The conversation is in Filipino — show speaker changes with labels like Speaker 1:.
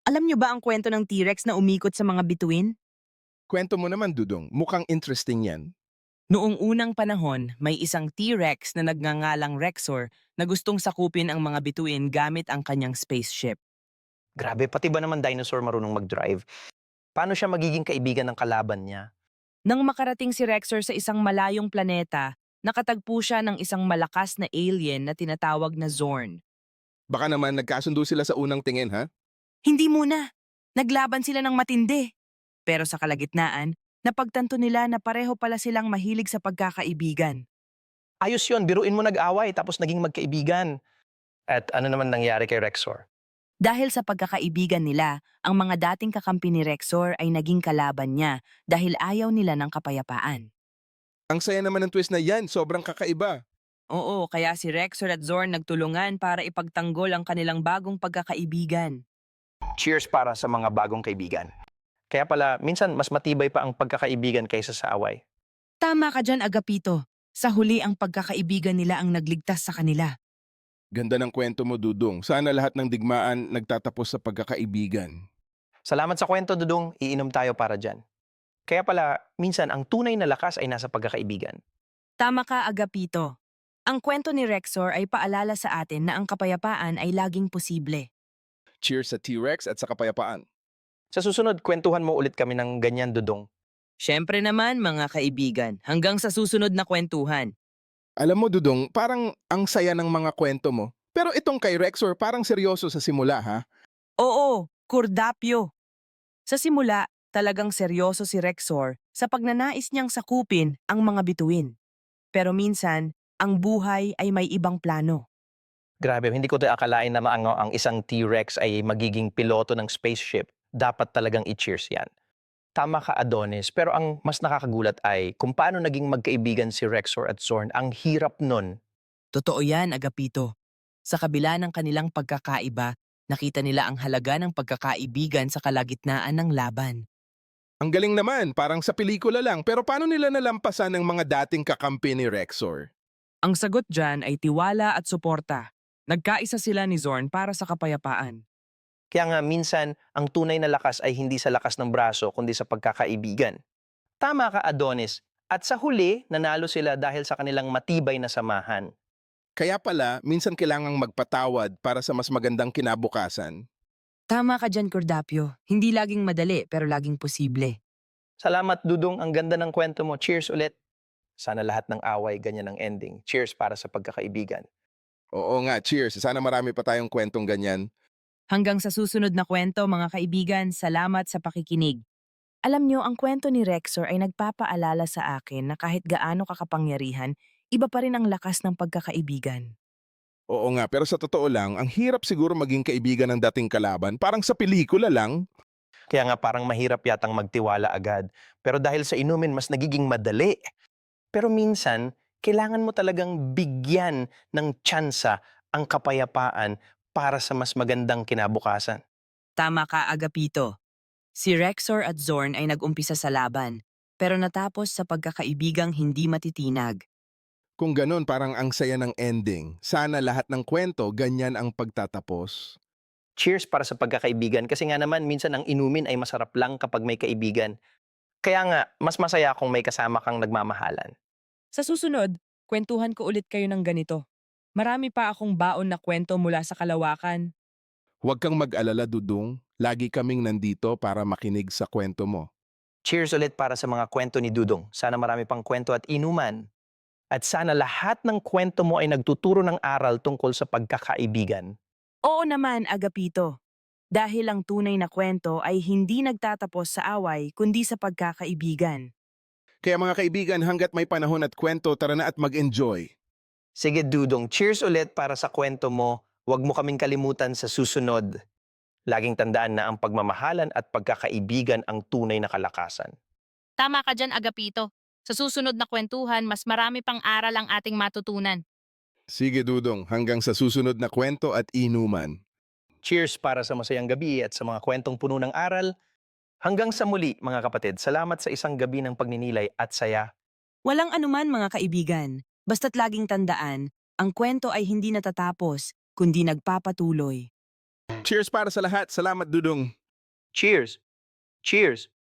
Speaker 1: Alam niyo ba ang kwento ng T-Rex na umikot sa mga bituin?
Speaker 2: Kwento mo naman, Dudong. Mukhang interesting yan.
Speaker 1: Noong unang panahon, may isang T-Rex na nagngangalang Rexor na gustong sakupin ang mga bituin gamit ang kanyang spaceship.
Speaker 3: Grabe, pati ba naman dinosaur marunong mag-drive? Paano siya magiging kaibigan ng kalaban niya?
Speaker 1: Nang makarating si Rexor sa isang malayong planeta, nakatagpo siya ng isang malakas na alien na tinatawag na Zorn.
Speaker 2: Baka naman nagkasundo sila sa unang tingin, ha?
Speaker 1: Hindi muna! Naglaban sila ng matindi. Pero sa kalagitnaan, napagtanto nila na pareho pala silang mahilig sa pagkakaibigan.
Speaker 3: Ayos yun, biruin mo nag-away tapos naging magkaibigan. At ano naman nangyari kay Rexor?
Speaker 1: Dahil sa pagkakaibigan nila, ang mga dating kakampi ni Rexor ay naging kalaban niya dahil ayaw nila ng kapayapaan.
Speaker 2: Ang saya naman ng twist na yan, sobrang kakaiba.
Speaker 1: Oo, kaya si Rexor at Zorn nagtulungan para ipagtanggol ang kanilang bagong pagkakaibigan.
Speaker 3: Cheers para sa mga bagong kaibigan. Kaya pala, minsan mas matibay pa ang pagkakaibigan kaysa sa away.
Speaker 1: Tama ka dyan, Agapito. Sa huli ang pagkakaibigan nila ang nagligtas sa kanila.
Speaker 2: Ganda ng kwento mo, Dudong. Sana lahat ng digmaan nagtatapos sa pagkakaibigan.
Speaker 3: Salamat sa kwento, Dudong. Iinom tayo para dyan. Kaya pala, minsan ang tunay na lakas ay nasa pagkakaibigan.
Speaker 1: Tama ka, Agapito. Ang kwento ni Rexor ay paalala sa atin na ang kapayapaan ay laging posible.
Speaker 2: Cheers sa T-Rex at sa kapayapaan.
Speaker 3: Sa susunod, kwentuhan mo ulit kami ng ganyan, Dudong.
Speaker 1: Siyempre naman, mga kaibigan, hanggang sa susunod na kwentuhan.
Speaker 2: Alam mo, Dudong, parang ang saya ng mga kwento mo. Pero itong kay Rexor parang seryoso sa simula, ha?
Speaker 1: Oo, Kurdapyo. Sa simula, talagang seryoso si Rexor sa pagnanais niyang sakupin ang mga bituin. Pero minsan, ang buhay ay may ibang plano.
Speaker 3: Grabe, hindi ko akalain na ang isang T-Rex ay magiging piloto ng spaceship. Dapat talagang i-cheers yan. Tama ka, Adonis, pero ang mas nakakagulat ay kung paano naging magkaibigan si Rexor at Zorn. Ang hirap nun.
Speaker 1: Totoo yan, Agapito. Sa kabila ng kanilang pagkakaiba, nakita nila ang halaga ng pagkakaibigan sa kalagitnaan ng laban.
Speaker 2: Ang galing naman, parang sa pelikula lang. Pero paano nila nalampasan ng mga dating kakampi ni Rexor?
Speaker 1: Ang sagot dyan ay tiwala at suporta. Nagkaisa sila ni Zorn para sa kapayapaan.
Speaker 3: Kaya nga minsan, ang tunay na lakas ay hindi sa lakas ng braso, kundi sa pagkakaibigan. Tama ka, Adonis. At sa huli, nanalo sila dahil sa kanilang matibay na samahan.
Speaker 2: Kaya pala, minsan kailangang magpatawad para sa mas magandang kinabukasan.
Speaker 1: Tama ka dyan, Cordapio. Hindi laging madali pero laging posible.
Speaker 3: Salamat, Dudong. Ang ganda ng kwento mo. Cheers ulit. Sana lahat ng away ganyan ang ending. Cheers para sa pagkakaibigan.
Speaker 2: Oo nga, cheers. Sana marami pa tayong kwentong ganyan.
Speaker 1: Hanggang sa susunod na kwento, mga kaibigan, salamat sa pakikinig. Alam nyo, ang kwento ni Rexor ay nagpapaalala sa akin na kahit gaano kakapangyarihan, iba pa rin ang lakas ng pagkakaibigan.
Speaker 2: Oo nga, pero sa totoo lang, ang hirap siguro maging kaibigan ng dating kalaban. Parang sa pelikula lang.
Speaker 3: Kaya nga parang mahirap yatang magtiwala agad. Pero dahil sa inumin, mas nagiging madali. Pero minsan, kailangan mo talagang bigyan ng tsansa ang kapayapaan para sa mas magandang kinabukasan.
Speaker 1: Tama ka, Agapito. Si Rexor at Zorn ay nag-umpisa sa laban, pero natapos sa pagkakaibigang hindi matitinag.
Speaker 2: Kung ganun, parang ang saya ng ending. Sana lahat ng kwento, ganyan ang pagtatapos.
Speaker 3: Cheers para sa pagkakaibigan kasi nga naman minsan ang inumin ay masarap lang kapag may kaibigan. Kaya nga, mas masaya kung may kasama kang nagmamahalan.
Speaker 1: Sa susunod, kwentuhan ko ulit kayo ng ganito. Marami pa akong baon na kwento mula sa kalawakan.
Speaker 2: Huwag kang mag-alala, Dudong. Lagi kaming nandito para makinig sa kwento mo.
Speaker 3: Cheers ulit para sa mga kwento ni Dudong. Sana marami pang kwento at inuman. At sana lahat ng kwento mo ay nagtuturo ng aral tungkol sa pagkakaibigan.
Speaker 1: Oo naman, Agapito. Dahil ang tunay na kwento ay hindi nagtatapos sa away kundi sa pagkakaibigan.
Speaker 2: Kaya mga kaibigan, hanggat may panahon at kwento, tara na at mag-enjoy.
Speaker 3: Sige Dudong, cheers ulit para sa kwento mo. Huwag mo kaming kalimutan sa susunod. Laging tandaan na ang pagmamahalan at pagkakaibigan ang tunay na kalakasan.
Speaker 4: Tama ka dyan, Agapito. Sa susunod na kwentuhan, mas marami pang aral ang ating matutunan.
Speaker 2: Sige, Dudong, hanggang sa susunod na kwento at inuman.
Speaker 3: Cheers para sa masayang gabi at sa mga kwentong puno ng aral. Hanggang sa muli, mga kapatid. Salamat sa isang gabi ng pagninilay at saya.
Speaker 1: Walang anuman mga kaibigan, basta't laging tandaan, ang kwento ay hindi natatapos, kundi nagpapatuloy.
Speaker 2: Cheers para sa lahat. Salamat, Dudong.
Speaker 3: Cheers! Cheers!